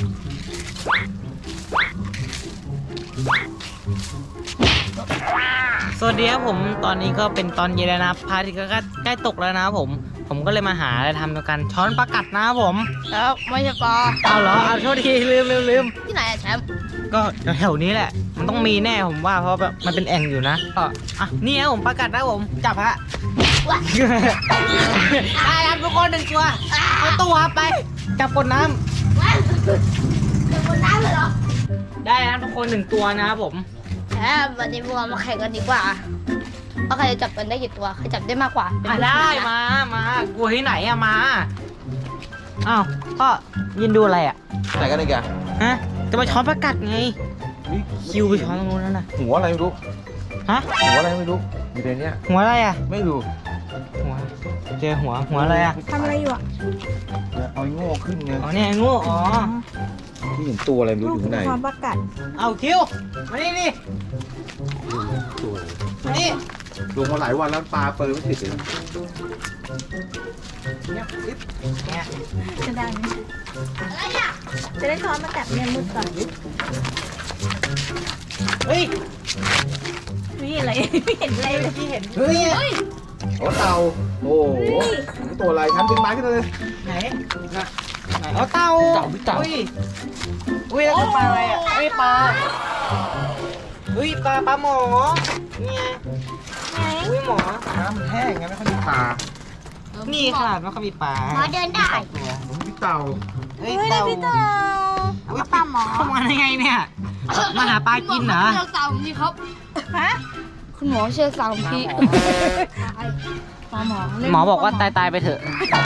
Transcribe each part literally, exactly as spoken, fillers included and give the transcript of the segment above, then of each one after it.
สวัสดีครับผมตอนนี้ก็เป็นตอนเย็นแล้วนะครับพระอาทิตย์ก็ใกล้ตกแล้วนะครับผมผมก็เลยมาหาอะไรทำกันช้อนปลากัดนะครับผมแล้วไม่ใช่ปลาเอาเหรอเอาโทษทีลืมลืมลืมที่ไหนอะแชมป์ก็แถวๆนี้แหละมันต้องมีแน่ผมว่าเพราะแบบมันเป็นแอ่งอยู่นะก็อ่ะนี่ครับผมปลากัดนะผมจับฮะได้ครับทุกคนหนึ่งตัวเอาตัวไปจับกดน้ำว้าวเป็นคนน้ำเลยเหรอได้ครับทุกคนหนึ่งตัวนะครับผมแชมป์วันนี้พวกเรามาแข่งกันดีกว่าว่าใครจะจับกันได้กี่ตัวใครจับได้มากกว่าอ่ะได้มามากลัวที่ไหนอะมาอ้าวก็ยินดูอะไรอะไหนกันอีกอะฮะจะมาช้อนปลากัดไงคิวไปช้อนตรงนู้นนั่นน่ะหัวอะไรไม่รู้ฮะหัวอะไรไม่รู้อยู่ในเนี้ยหัวอะไรอะไม่รู้หัวเจอหัวหัวอะไรอะทำอะไรอยู่อ่ะเอาไอ้โง่ขึ้นไงอ๋อเนี่ยงูอ๋อที่เห็นตัวอะไรไม่รู้อยู่ข้างในความประกัดเอาคิวมานี่นี่ตัวอะไรมานี่ลงมาหลายวันแล้วปลาเปิดไม่ติดเลยเนี่ยปิ๊บเนี่ยจะได้ไหมอะไรอ่ะจะได้ช้อนมากัดเนี่ยมืดก่อนเฮ้ยไม่เห็นอะไรไม่เห็นอะไรเลยที่เห็นเฮ้ยโอ้เต่าโอ้โหตัวอะไรทำดึงไม้ขึ้นเลยไหนน่ะไหนเอาเต่าเต่าพี่เต่าอุ้ยอุ้ยแล้วก็ปลาอะไรอะเฮ้ยปลาเฮ้ยปลาปลาหมอเนี่ยไงอุ้ยหมอน้ำมันแห้งไงไม่ค่อยมีปลานี่ขนาดว่าเขามีปลาหมอเดินได้ตัวพี่เต่าเฮ้ยเฮ้ยเต่าพี่เต่าเอามาปลาหมอเข้ามาได้ไงเนี่ยมาหาปลากินเหรอเชือกสาวพี่ครับฮะคุณหมอเชือกสาวพี่ปลาหมอเล่นหมอบอกว่าตายตายๆไปเถอะ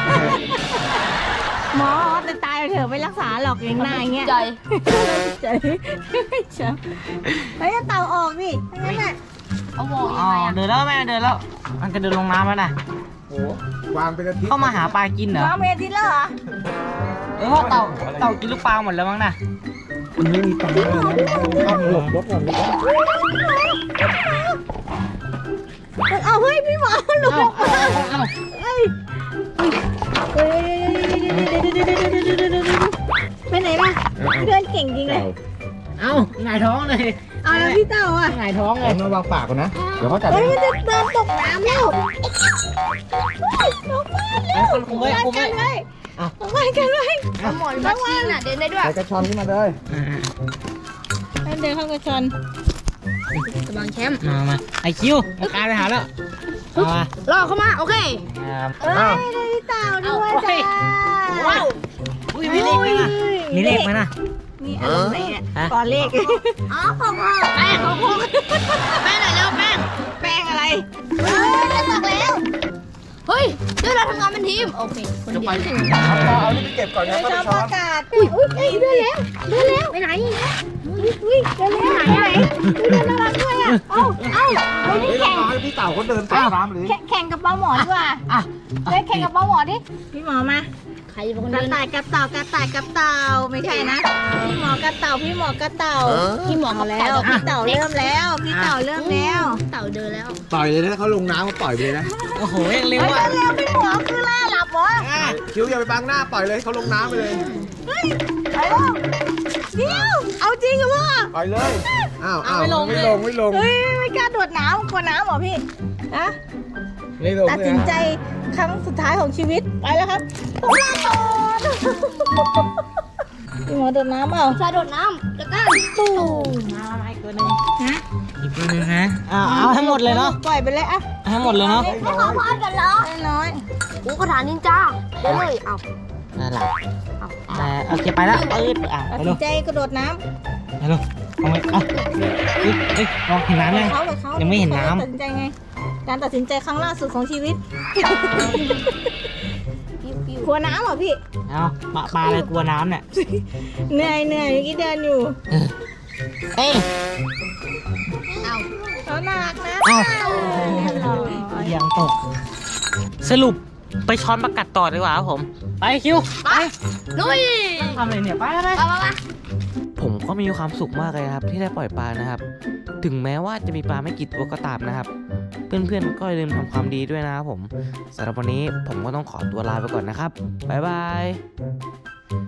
หมอแต่ตายไปเถอะไม่รักษาหรอกอย่างหน้าอย่างเงี้ยใจใจเชื่อเฮ้ยเต่าออกดิไม่งั้นน่ะเอาหมออ๋ยัองไงอ่ะเดินแล้วแม่เดินแล้ว มันจะเดินลงน้ำแล้วนะโอ้วางเป็นอาทิตย์เข้ามาหาปลากินเหรอวางเมทิตแล้วเหรอเออเพราะเต่าเต่ากินลูกปลาหมดแล้วมั้งนะมันไม่มีปลาเลยนะต้องหลบรถก่อนเลยเอาเฮ้ยพี่หมอหลุดเอ้าออกมาเอ้าเฮ้ยเฮ้ยไปไหนล่ะเพื่อนเก่งจริงเลยเอ้าหงายท้องเลยเอาแล้วพี่เต่าอ่ะหงายท้องเลเอายมาวางปากก่อนนะเดี๋ยวเขาจับเฮ้ยมันจะเดินตกน้ำแล้วน้องฟ้าเร็วคนคุมไว้คุมไว้กันไว้น้องฟ้ากันไว้เอาหมอนมาชี้น่ะเดินได้ด้วยใส่กระชอนขึ้นมาเลยให้เดินเข้ากระชอนกำลังแชมป์มามาไอคิวมากลายไปหาแล้วเอามารอเข้ามาโอเคครับเอ้ยได้พี่เต่าด้วยจ้าว้าวอุ้ยมีเลขไหมนะมีเลขไหมนะนี่อะไรไหนเนี่ยก่อนเลขอ๋อของพ่อแป้งของพ่อแป้งไหนแล้วแป้งแป้งอะไรเฮ้ยจะตกแล้วเฮ้ยเดี๋ยวเราทำงานเป็นทีมโอเคคนเดียวเอาปลาเอานี่ไปเก็บก่อนนะเดินก็ชไปอบช้อปนระกาศอุ้ยอุ้ยเดินแล้วเดินแล้วไปไหนอุ้ยเดินแล้วไหนไหนเดินน่ารักด้วยอ่ะเอ้าเอ้าเอานี่เฮ้ยแข่งเราให้พี่เต่าเขาเดินตามน้ำเลยแข่งกับปลาหมอดีกว่าอ่ะเฮ้ยแข่งกับปลาหมอดิพี่หมอมาใครเป็นคนกระเดินต่ายกับเต่ากระต่ายกับเต่าไม่ใช่นะพี่หมอกระเต่าพี่หมอกระเต่าพี่หมอเอากับแล้วเต่าพี่เต่าเริ่มแล้วพี่เต่าเริ่มแล้วเต่าเดินแล้วปล่อยเลยนะเขาลงน้ำก็ปล่อยไปเลยนะโอ้โหยังเร็วเฮ้ยอ่ะเร็วพี่หมอคือล่าหลับเหรออ่ะคิ้วอย่าไปบังหน้าปล่อยเลยเขาลงน้ำไปเลยเฮ้ยไปแล้วเดี๋ยวเอาจริงเหรอพ่อปล่อยเลยอ้าวอ้าวไม่ลงไม่ลงเฮ้ยไม่กล้าโดดน้ำกลัวน้ำเหรอพี่นะไม่ลงตัดสินใจครั้งสุดท้ายของชีวิตไปแล้วครับต้องลาโดดพี่หมอโดดน้ำเปล่าชาโดดน้ำแล้วก็ตู้มามาอีกตัวหนึงฮะอีกตัวหนึงนะอ่าเอาให้หมดเลยเนาะปล่อยไปเลยอะเอาให้หมดเลยเนาะไม่ขอพอดกันเหรอน้อยกูกระถางนินจาเดินเลยเอานั่นแหละเอาอ่าโอเคไปแล้วเอ้ยอ่ะตัดไปสิเร็นวใจกระโดดน้ไปเร็วเอาไว้เอาเฮ้ยเฮ้ยลองเห็นำน้ำยังเขาแบบเขายังไม่เห็นน้ำตัดสินใจไง การตัดสินใจครั้งล่าสุดของชีวิตปิ้วปิ้วกลัวน้ำเหรอพี่เอาปลาปลาอะไรกลัวน้ำเนี่ยเหนื่อยเหนื่อยเมื่อกี้เดินอยู่เอ้ยเอาเขาน่ารักนะเอ้าเออยังตก สรุปไปช้อนประกัดต่อดีกว่าครับผม ไปคิวไปลุยทำอะไรเนี่ยไปไปไปไปไปผมก็มีความสุขมากเลยครับที่ได้ปล่อยปลานะครับ ถึงแม้ว่าจะมีปลาไม่กี่ตัวก็ตามนะครับ เพื่อนๆก็อย่าลืมทำความดีด้วยนะครับผมสำหรับวันนี้ผมก็ต้องขอตัวลาไปก่อนนะครับบ๊ายบาย